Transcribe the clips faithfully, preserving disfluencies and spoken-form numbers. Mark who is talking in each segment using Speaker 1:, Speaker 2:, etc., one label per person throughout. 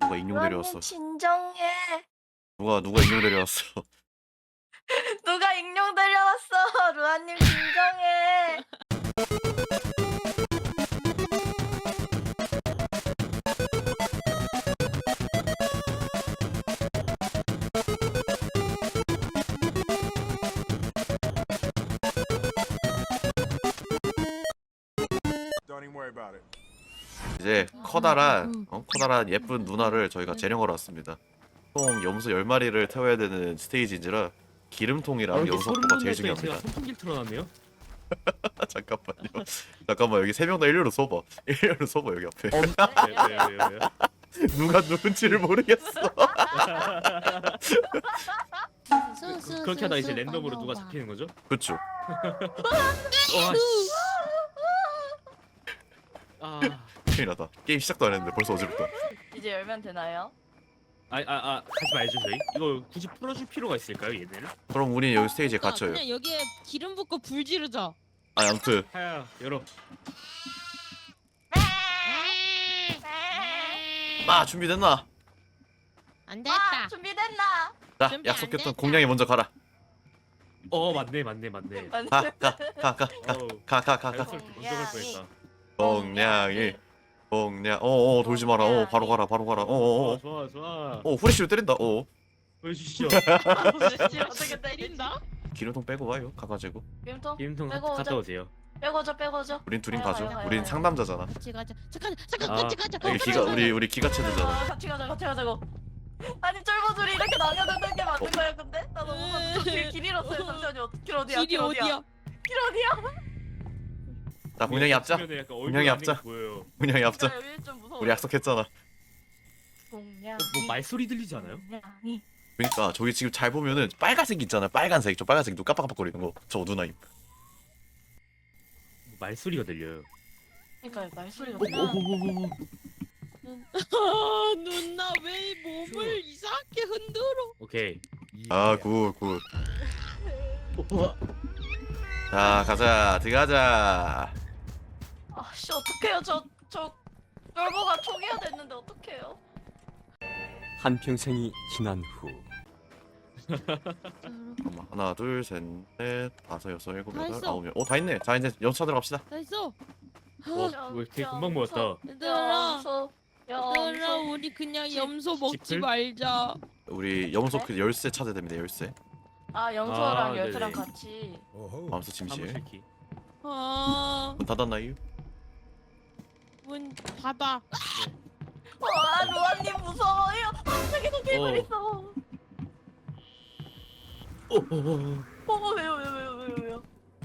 Speaker 1: 누가 익룡 데려왔어.
Speaker 2: 루아님 진정해.
Speaker 1: 누가 누가 익룡 데려왔어.
Speaker 2: 누가 익룡 데려왔어. 루아님 진정해.
Speaker 3: Don't even worry about it.
Speaker 1: 이제 커다란 어? 커다란 예쁜 누나를 저희가 재령하러 왔습니다. 총 염소 열 마리를 태워야 되는 스테이지인지라 기름통이랑 염소포가 제일 중요합니다.
Speaker 4: 제가 선풍기를 틀어놨네요.
Speaker 1: 잠깐만요. 잠깐만 여기 세 명 다 일렬로 서봐. 일렬로 서봐 여기 앞에.
Speaker 4: 어, 왜요 왜요 왜요?
Speaker 1: 누가 누군지를 모르겠어.
Speaker 4: 그- 그렇게 하다 이제 랜덤으로 누가 잡히는 거죠?
Speaker 1: 그렇죠.
Speaker 4: 와 씨. 아,
Speaker 1: 큰일 났다. 게임 시작도 안 했는데 벌써 어지럽다.
Speaker 2: 이제 열면 되나요?
Speaker 4: 아, 아, 아, 하지 말죠 저희. 이거 굳이 풀어줄 필요가 있을까요 얘네를?
Speaker 1: 그럼 우리 여기 스테이지에
Speaker 5: 아,
Speaker 1: 갇혀요.
Speaker 5: 그냥 여기에 기름 붓고 불 지르자.
Speaker 1: 아 아무튼
Speaker 4: 하야 열어.
Speaker 1: 아 준비됐나?
Speaker 5: 안
Speaker 2: 아
Speaker 5: 됐다.
Speaker 2: 준비됐나?
Speaker 1: 자
Speaker 5: 준비 안
Speaker 1: 약속했던
Speaker 5: 됐다.
Speaker 1: 공룡이 먼저 가라.
Speaker 4: 어 맞네 맞네 맞네.
Speaker 2: 맞네.
Speaker 1: 가 가 가 가
Speaker 4: 어우,
Speaker 1: 가 가 가 가.
Speaker 4: 자연스럽게 먼저 갈 뻔했다.
Speaker 1: 공룡이 공룡. 어어 돌지 마라. 어 바로 가라 바로 가라. 어어어.
Speaker 4: 좋아 좋아.
Speaker 1: 어 후레쉬를 때린다. 어
Speaker 4: 보여주시죠.
Speaker 2: 어떻게 때린다?
Speaker 5: 때린다?
Speaker 1: 기름통 빼고 와요. 가가지고.
Speaker 2: 기름통
Speaker 4: 기름통
Speaker 2: 빼고
Speaker 4: 갔다
Speaker 2: 오자.
Speaker 4: 오세요.
Speaker 2: 빼고줘 빼고줘.
Speaker 1: 우린 둘인
Speaker 2: 가요,
Speaker 1: 가죠.
Speaker 2: 가요,
Speaker 1: 우린
Speaker 2: 가요.
Speaker 1: 상남자잖아.
Speaker 5: 같이 가자. 잠깐 잠깐
Speaker 4: 아,
Speaker 5: 같이 가자.
Speaker 1: 여기 기가 우리 우리 기가 체드잖아.
Speaker 2: 아, 같이 가자 같이 가자고. 아니 쫄보들이 이렇게 나뉘어졌는 게 맞는 거야 근데? 나 너무 길, 길 잃었어요. 잠시만요. 길 어디야?
Speaker 5: 길이
Speaker 2: 길 어디야?
Speaker 5: 어디야?
Speaker 2: 길 어디야?
Speaker 1: 자 공룡이 앞자.
Speaker 4: 보면은 약간 얼굴
Speaker 1: 분명히
Speaker 4: 안에
Speaker 1: 앞자.
Speaker 4: 보여요.
Speaker 1: 공룡이 앞자.
Speaker 2: 나 여기 좀 무서워.
Speaker 1: 우리 약속했잖아.
Speaker 2: 공룡.
Speaker 4: 어, 뭐 말소리 들리지 않아요?
Speaker 2: 공룡이.
Speaker 1: 그러니까 저기 지금 잘 보면은 빨간색 있잖아. 빨간색. 저 빨간색 눈 깜빡깜빡거리는 거. 저거 누나임.
Speaker 4: 뭐 말소리가 들려요.
Speaker 2: 그러니까 말소리가.
Speaker 4: 어, 어, 어, 어, 어.
Speaker 5: 아, 누나 왜 몸을 이상하게 흔들어?
Speaker 4: 오케이.
Speaker 1: 아 굿 굿.
Speaker 4: 어,
Speaker 1: 자 가자 들어가자.
Speaker 2: 아씨 어떡해요 저저 쫄보가 초기화 됐는데 어떡해요?
Speaker 6: 한평생이 지난 후
Speaker 1: 잠깐만 하나 둘셋넷 다섯 여섯 일곱
Speaker 5: 다
Speaker 1: 여덟
Speaker 5: 했어.
Speaker 1: 아홉 열. 어다 있네. 자 이제 연차 들어갑시다.
Speaker 5: 다 했어.
Speaker 4: 어, 왜 되게 금방 모았다.
Speaker 5: 얘들아,
Speaker 2: 염소
Speaker 5: 얘들아,
Speaker 2: 염소.
Speaker 5: 우리 그냥
Speaker 2: 집-
Speaker 5: 염소 먹지
Speaker 4: 집을?
Speaker 5: 말자.
Speaker 1: 우리 염소 그 열쇠 찾아야 됩니다. 열쇠.
Speaker 2: 아 염소랑
Speaker 4: 아,
Speaker 2: 열쇠랑
Speaker 4: 네네.
Speaker 2: 같이.
Speaker 1: 마음속 침실.
Speaker 4: 사무실키.
Speaker 5: 아,
Speaker 1: 문 닫았나요?
Speaker 5: 문 닫아.
Speaker 2: 와 루아님 무서워요. 갑자기도 개불
Speaker 4: 어.
Speaker 2: 있어.
Speaker 4: 어, 어, 어.
Speaker 2: 어 왜요 왜요 왜요 왜요 왜요?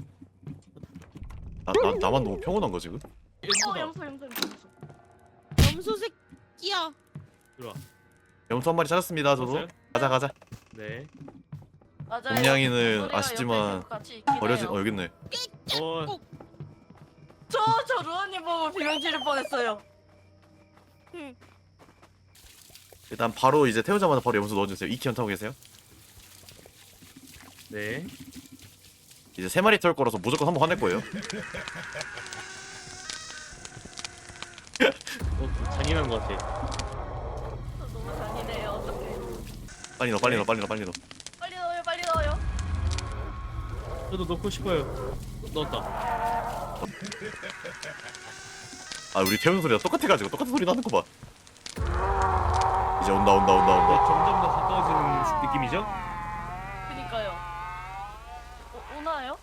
Speaker 1: 나, 나 나만 너무 평온한 거 지금?
Speaker 2: 어
Speaker 4: 염소다.
Speaker 2: 염소 염소 염소.
Speaker 5: 염소 새끼야.
Speaker 4: 들어와.
Speaker 1: 염소 한 마리 찾았습니다. 저도.
Speaker 4: 찾았어요?
Speaker 1: 가자 가자.
Speaker 4: 네.
Speaker 2: 맞아요.
Speaker 1: 공냥이는
Speaker 2: 우리가
Speaker 1: 아시지만
Speaker 2: 옆에 계속 같이 있긴
Speaker 1: 버려진
Speaker 2: 해요.
Speaker 1: 어 여기 있네.
Speaker 4: 어,
Speaker 2: 저, 저 루아님 보고 비명 지를 뻔했어요.
Speaker 1: 일단 바로 이제 태우자마자 바로 염소 넣어주세요. 이키 연타고 계세요?
Speaker 4: 네.
Speaker 1: 이제 세 마리 태울 거라서 무조건 한 번 화낼 거예요.
Speaker 4: 어, 잔인한 것 같아.
Speaker 2: 저 너무 잔인해요. 어떡해.
Speaker 1: 빨리 넣어 빨리 넣어 빨리 넣어 빨리 넣어.
Speaker 2: 빨리 넣어요, 빨리 넣어요.
Speaker 4: 저도 넣고 싶어요. 넣었다.
Speaker 1: 아 우리 태우는 소리가 똑같아가지고 똑같은 소리 나는 거 봐. 이제 온다 온다 온다
Speaker 4: 네,
Speaker 1: 온다.
Speaker 4: 점점 더 가까워지는 느낌이죠?
Speaker 2: 그니까요. 오, 오나요?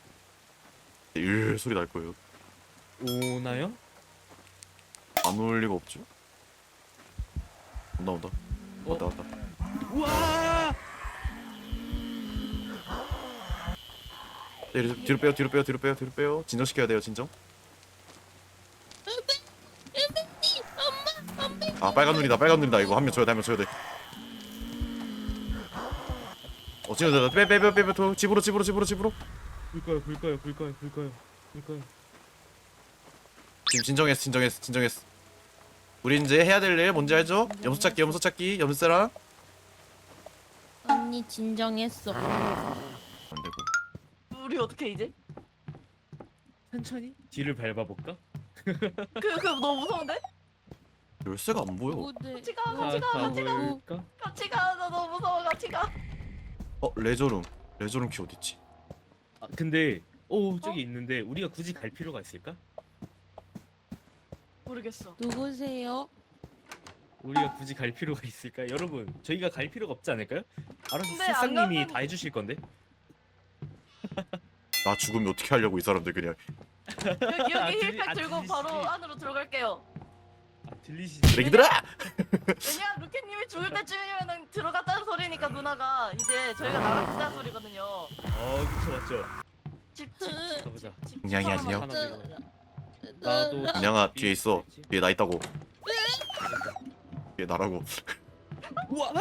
Speaker 1: 일 소리 날 거예요.
Speaker 4: 오나요?
Speaker 1: 안 올 리가 없죠. 온다 온다. 왔다 왔다.
Speaker 4: 우와!
Speaker 1: 네, 뒤로 빼요 뒤로 빼요 뒤로 빼요 뒤로 빼요. 진정시켜야 돼요 진정. 아 빨간 눈이다 빨간 눈이다. 이거 한 명 줘야 돼 한 명 줘야 돼. 어 진짜 빼빼빼빼빼 집으로 집으로 집으로 집으로.
Speaker 4: 불까요, 불까요, 불까요, 불까요, 불까요.
Speaker 1: 지금 진정했어 진정했어 진정했어. 우리 이제 해야 될 일 뭔지 알죠? 염소 찾기 염소 찾기 염소랑
Speaker 5: 언니 진정했어.
Speaker 1: 안 되고.
Speaker 2: 우리 어떻게 이제?
Speaker 4: 천천히 뒤를 밟아볼까?
Speaker 2: 그, 그 너무 무서운데?
Speaker 1: 열쇠가 안 보여.
Speaker 5: 누구들?
Speaker 2: 같이 가,
Speaker 4: 자,
Speaker 2: 같이 가, 같이 가.
Speaker 4: 가볼까?
Speaker 2: 같이 가. 나 너무 무서워. 같이 가.
Speaker 1: 어 레저룸. 레저룸 키 어디 있지?
Speaker 4: 아, 근데 오 저기
Speaker 2: 어?
Speaker 4: 있는데 우리가 굳이 갈 필요가 있을까?
Speaker 2: 모르겠어.
Speaker 5: 누구세요?
Speaker 4: 우리가 굳이 갈 필요가 있을까? 여러분 저희가 갈 필요가 없지 않을까요? 알아서
Speaker 2: 근데 안
Speaker 4: 새싹님이
Speaker 2: 가면-
Speaker 4: 다 해주실 건데.
Speaker 1: 나 죽으면 어떻게 하려고 이 사람들 그냥.
Speaker 2: 여기
Speaker 4: 아,
Speaker 2: 여기
Speaker 4: 들리-
Speaker 2: 힐팩
Speaker 4: 아,
Speaker 2: 들고
Speaker 4: 들리시지?
Speaker 2: 바로 안으로 들어갈게요.
Speaker 4: 아 들리시지?
Speaker 1: 쓰레기들아!
Speaker 2: 왜냐 루켓님이 죽을 때쯤이면은 들어갔다는 소리니까 누나가 이제 저희가 나갔다는 소리거든요.
Speaker 4: 어 그쵸 맞죠.
Speaker 2: 집, 집, 집,
Speaker 4: 가보자.
Speaker 2: 집.
Speaker 1: 그냥이
Speaker 2: 집
Speaker 1: 아니요.
Speaker 4: 하나 들고.
Speaker 5: 나-
Speaker 4: 나도
Speaker 1: 그냥아 뒤에 있어. 뒤에 나 있다고. 뒤에 나라고.
Speaker 4: 우와!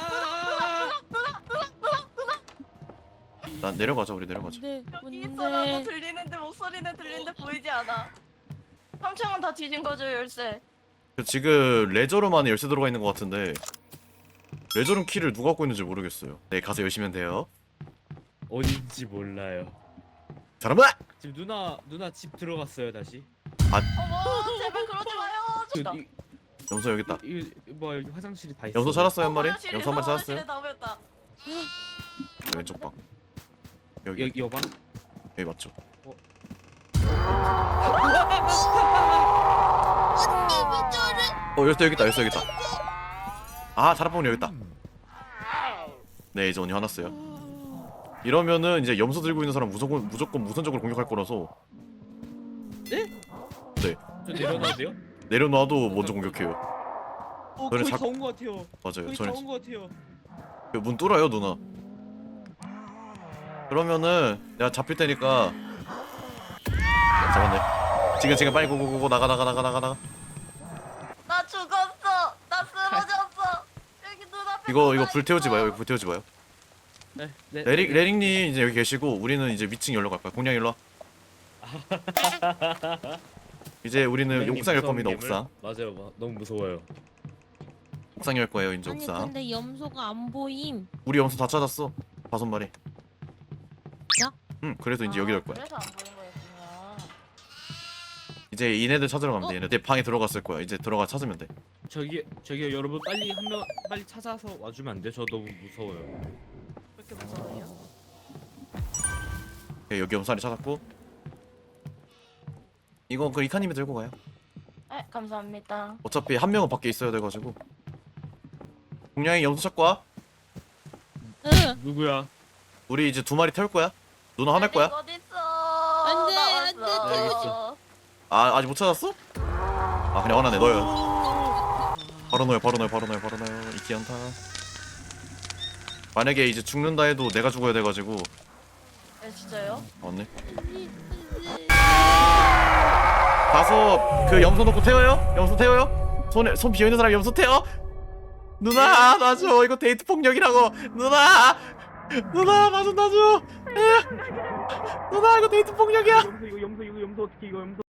Speaker 1: 난 내려가자 우리 내려가자.
Speaker 5: 네,
Speaker 2: 여기
Speaker 5: 뭔데?
Speaker 2: 있어라고 들리는데 목소리는 들리는데 보이지 않아. 삼 층은 다 뒤진 거죠 열쇠.
Speaker 1: 그 지금 레저룸 안에 열쇠 들어가 있는 것 같은데 레저룸 키를 누가 갖고 있는지 모르겠어요. 네 가서 열시면 돼요.
Speaker 4: 어딘지 몰라요.
Speaker 1: 사람아!
Speaker 4: 지금 누나 누나 집 들어갔어요 다시.
Speaker 2: 어머 제발 그러지 마요.
Speaker 4: 그,
Speaker 2: 진짜.
Speaker 4: 이,
Speaker 1: 염소 여기 있다.
Speaker 4: 이, 이, 뭐 여기 화장실이 다 있어.
Speaker 1: 염소 찾았어요 한 마리?
Speaker 2: 화장실에,
Speaker 1: 염소 한 마리
Speaker 2: 화장실에
Speaker 1: 찾았어요?
Speaker 2: 나오였다.
Speaker 1: 왼쪽 방. 여기
Speaker 4: 여기 여방?
Speaker 1: 여기 맞죠?
Speaker 5: 언니 왜 저래?
Speaker 1: 어 열쇠 여기 있다 열쇠 여기 있다. 아 자라뽕이 여기 있다. 네 이제 언니 화났어요. 이러면은 이제 염소 들고 있는 사람 무조건 무조건 무선적으로 공격할 거라서
Speaker 4: 저 내려놔도 돼요?
Speaker 1: 내려놔도 먼저 공격해요.
Speaker 4: 어
Speaker 1: 그래,
Speaker 4: 거의
Speaker 1: 자-
Speaker 4: 다 온 것 같아요.
Speaker 1: 맞아요.
Speaker 4: 거의
Speaker 1: 저는
Speaker 4: 다 온 것 같아요.
Speaker 1: 그 문 뚫어요 누나. 그러면은 내가 잡힐 테니까 잡았네. 지금 지금 빨리 고고고고 나가 나가 나가 나가 나가.
Speaker 2: 나 죽었어. 나 쓰러졌어. 여기 눈앞에.
Speaker 1: 이거 이거
Speaker 2: 누나
Speaker 1: 불 태우지
Speaker 2: 있어.
Speaker 1: 마요. 이거 불 태우지 마요.
Speaker 4: 네, 네.
Speaker 1: 레릭 레릭님 이제 여기 계시고 우리는 이제 위층 열러 갈 거야. 공룡 일로 와. 이제 우리는
Speaker 4: 선생님
Speaker 1: 옥상 열
Speaker 4: 무서운
Speaker 1: 겁니다.
Speaker 4: 괴물?
Speaker 1: 옥상.
Speaker 4: 맞아요, 마- 너무 무서워요.
Speaker 1: 옥상 열 거예요. 이제
Speaker 5: 아니
Speaker 1: 옥상.
Speaker 5: 근데 염소가 안 보임.
Speaker 1: 우리 염소 다 찾았어. 다섯 마리.
Speaker 5: 야?
Speaker 1: 응. 그래서 이제 여기 열 거야.
Speaker 2: 그래서 안 보인 거였구나.
Speaker 1: 이제 얘네들 찾으러 가면 돼.
Speaker 5: 어?
Speaker 1: 얘네들 방에 들어갔을 거야. 이제 들어가 찾으면 돼.
Speaker 4: 저기 저기 여러분 빨리 한 명 빨리 찾아서 와주면 안 돼? 저 너무 무서워요.
Speaker 2: 왜 이렇게 무서워요?
Speaker 1: 네, 여기 염소리 찾았고. 이거 그 이카님이 들고 가요.
Speaker 2: 네 감사합니다.
Speaker 1: 어차피 한 명은 밖에 있어야 돼가지고. 공룡이 염소 찾고 와.
Speaker 5: 응.
Speaker 4: 누구야?
Speaker 1: 우리 이제 두 마리 태울 거야. 누나 화낼 거야?
Speaker 2: 어디 있어?
Speaker 5: 안 돼,
Speaker 2: 나
Speaker 5: 안 돼,
Speaker 2: 왔어.
Speaker 4: 알겠어.
Speaker 1: 아 아직 못 찾았어? 아 그냥 화나네 너요. 바로 넣어요 바로 넣어요 바로 넣어요 바로 넣어요. 이키연타. 만약에 이제 죽는다 해도 내가 죽어야 돼가지고.
Speaker 2: 네 진짜요?
Speaker 1: 맞네. 가서 그 염소 놓고 태워요? 염소 태워요? 손에 손 비어 있는 사람 염소 태워? 누나 놔줘. 이거 데이트 폭력이라고. 누나 누나 나 좀 놔줘. 에. 누나 이거 데이트 폭력이야.
Speaker 4: 염소 이거 염소 이거 염소 어떻게 이거 염소?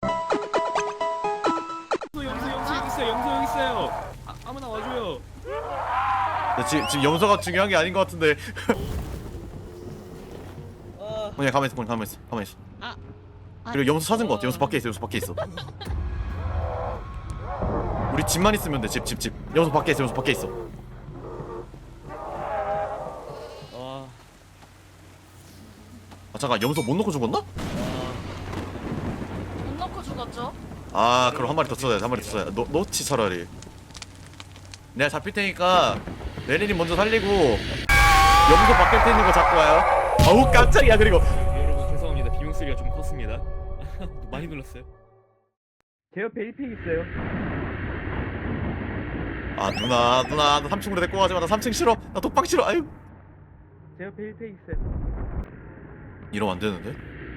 Speaker 4: 염소 염소 염소 여기 있어요. 염소 여기 있어요. 아, 아무나 와줘요.
Speaker 1: 근데 지, 지금 염소가 중요한 게 아닌 것 같은데.
Speaker 4: 아,
Speaker 1: 그냥 가만히 있어 그냥 가만히 있어 가만히 있어.
Speaker 5: 아,
Speaker 1: 그리고 염소 찾은 것 같아. 염소 밖에 있어 염소 밖에 있어. 우리 집만 있으면 돼. 집 집 집. 염소 밖에 있어 염소 밖에 있어.
Speaker 4: 아,
Speaker 1: 아 잠깐 염소 못 넣고 죽었나?
Speaker 2: 못 넣고 죽었죠?
Speaker 1: 아 그럼 한 마리 더 써야 돼. 한 마리 더 써야 돼. 넣, 넣지 차라리. 내가 잡힐 테니까 레린이 먼저 살리고 염소 밖에 있는 거 잡고 와요. 어우 깜짝이야. 그리고
Speaker 4: 여러분 죄송합니다. 비명 소리가 좀 컸습니다. 많이 놀랐어요. 제 옆에 일 팩 있어요.
Speaker 1: 아 누나 누나 나 삼 층으로 데리고 가지 마. 나 삼 층 싫어. 나 독방 싫어. 아유
Speaker 4: 제 옆에 일 팩 있어요.
Speaker 1: 이러면 안 되는데?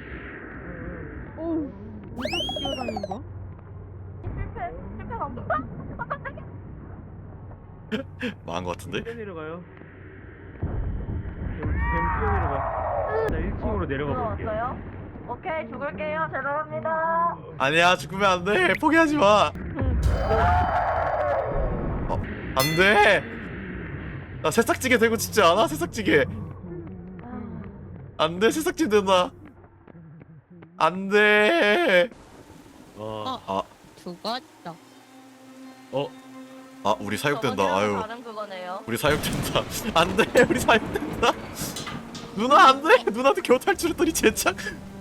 Speaker 5: 오, 무슨 뛰어다닌 거야?
Speaker 2: 실패 실패 안 봐?
Speaker 1: 망한 거 같은데?
Speaker 4: 뛰어내려가요. 뱀 뛰어내려가. 나 일 층으로 내려가 볼게요.
Speaker 2: 들어왔어요? 오케이 죽을게요. 죄송합니다.
Speaker 1: 아니야 죽으면 안 돼. 포기하지 마. 어, 안 돼. 나 새싹지게 되고 싶지 않아? 새싹지게. 안 돼. 새싹지 된다. 안 돼.
Speaker 4: 어,
Speaker 1: 아,
Speaker 5: 죽었어.
Speaker 4: 어,
Speaker 1: 아 우리 사육된다.
Speaker 2: 저번이랑
Speaker 1: 아유
Speaker 2: 다른 그거네요.
Speaker 1: 우리 사육된다. 안돼 우리 사육된다. 누나 안돼 누나도 겨우 탈출했더니 제착.